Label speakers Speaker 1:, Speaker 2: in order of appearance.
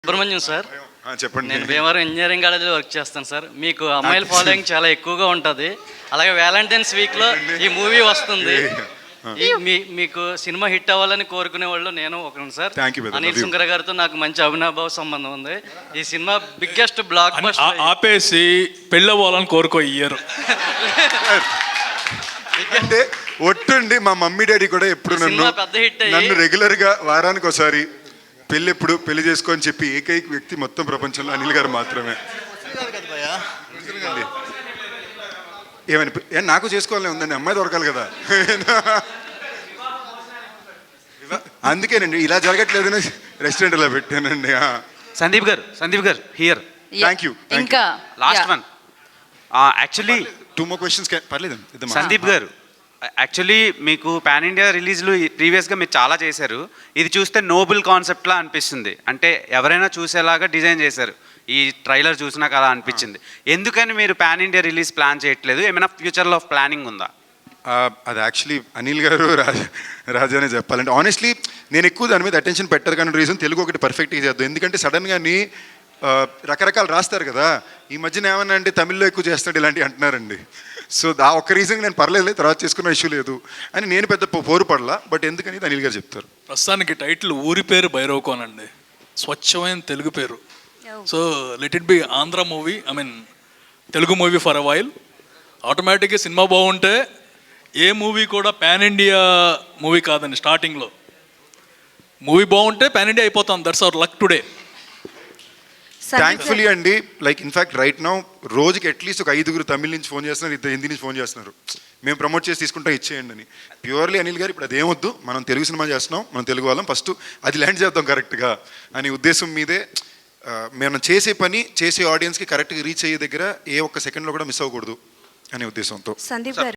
Speaker 1: Subrahmanyam sir,
Speaker 2: చెప్పండి.
Speaker 1: నేను Bhimavaram engineering కాలేజీలో వర్క్ చేస్తాను సార్. మీకు అమ్మాయిల ఫాలోయింగ్ చాలా ఎక్కువగా ఉంటుంది. అలాగే వ్యాలంటైన్స్ వీక్లో ఈ మూవీ వస్తుంది. మీకు సినిమా హిట్ అవ్వాలని కోరుకునే వాళ్ళు నేను ఒకరు సార్. అనిల్ సుంకర గారితో నాకు మంచి అవినాభావ సంబంధం ఉంది. ఈ సినిమా బిగ్గెస్ట్ బ్లాక్ బస్టర్.
Speaker 3: ఆపేసి పెళ్ళవ్వాలని కోరుకో ఇయ్యరు.
Speaker 2: అంటే ఒట్టుండి మా మమ్మీ డాడీ కూడా ఎప్పుడు నన్ను రెగ్యులర్ గా వారానికి ఒకసారి పెళ్లి చేసుకొని చెప్పి ఏకైక వ్యక్తి మొత్తం ప్రపంచంలో అనిల్ గారు మాత్రమే. ఏమని నాకు చేసుకోవాలని ఉందండి, అమ్మాయి దొరకాలి కదా. అందుకేనండి ఇలా జరగట్లేదని రెస్టారెంట్ ఇలా పెట్టానండి.
Speaker 4: Sandeep garu here.
Speaker 2: Thank you.
Speaker 5: ఇంకా
Speaker 4: last one. Actually
Speaker 2: 2 more questions పర్లేదు.
Speaker 4: సందీప్ గారు, యాక్చువల్లీ మీకు పాన్ ఇండియా రిలీజ్లు ప్రీవియస్గా మీరు చాలా చేశారు. ఇది చూస్తే నోబుల్ కాన్సెప్ట్లా అనిపిస్తుంది. అంటే ఎవరైనా చూసేలాగా డిజైన్ చేశారు. ఈ ట్రైలర్ చూసినాక అలా అనిపించింది. ఎందుకని మీరు పాన్ ఇండియా రిలీజ్ ప్లాన్ చేయట్లేదు? ఏమైనా ఫ్యూచర్లో ప్లానింగ్ ఉందా?
Speaker 2: అది యాక్చువల్లీ అనిల్ గారు రాజానే చెప్పాలంటే, ఆనెస్ట్లీ నేను ఎక్కువ దాని మీద అటెన్షన్ పెట్టరు కానీ రీజన్ తెలుగు ఒకటి పర్ఫెక్ట్గా చేద్దాం. ఎందుకంటే సడన్గాని రకరకాలు రాస్తారు కదా. ఈ మధ్యన ఏమన్నా అంటే తమిళ్లో ఎక్కువ చేస్తాడు ఇలాంటివి అంటున్నారండి. సో ఆ ఒక్క రీజన్ నేను పర్లేదు, తర్వాత చేసుకున్న ఇష్యూ లేదు అని నేను పెద్ద పోరు పడలా. బట్ ఎందుకని అనిల్ గారు చెప్తారు.
Speaker 3: ప్రస్తుతానికి టైటిల్ ఊరి పేరు భైరవకోన్ అండి, స్వచ్ఛమైన తెలుగు పేరు. So let it be Andhra movie, I mean Telugu movie for a while. ఆటోమేటిక్గా సినిమా బాగుంటే ఏ మూవీ కూడా పాన్ ఇండియా మూవీ కాదండి. స్టార్టింగ్లో మూవీ బాగుంటే పాన్ ఇండియా అయిపోతాం. That's our luck today.
Speaker 2: Thankfully అండి, లైక్ ఇన్ఫ్యాక్ట్ రైట్ నౌ రోజుకి అట్లీస్ట్ ఒక 5 తమిళ నుంచి ఫోన్ చేస్తున్నారు, 2 హిందీ నుంచి ఫోన్ చేస్తున్నారు. మేము ప్రమోట్ చేసి తీసుకుంటాం, ఇచ్చేయండి అని. ప్యూర్లీ అనిల్ గారు ఇప్పుడు అదేమొద్దు, మనం తెలుగు సినిమా చేస్తున్నాం, మనం తెలుగు వాళ్ళం, ఫస్ట్ అది ల్యాండ్ చేద్దాం కరెక్ట్గా అనే ఉద్దేశం మీదే మనం చేసే పని చేసే ఆడియన్స్కి కరెక్ట్గా రీచ్ అయ్యే దగ్గర ఏ ఒక్క సెకండ్లో కూడా మిస్ అవ్వకూడదు అనే ఉద్దేశంతో.
Speaker 5: సందీప్ గారు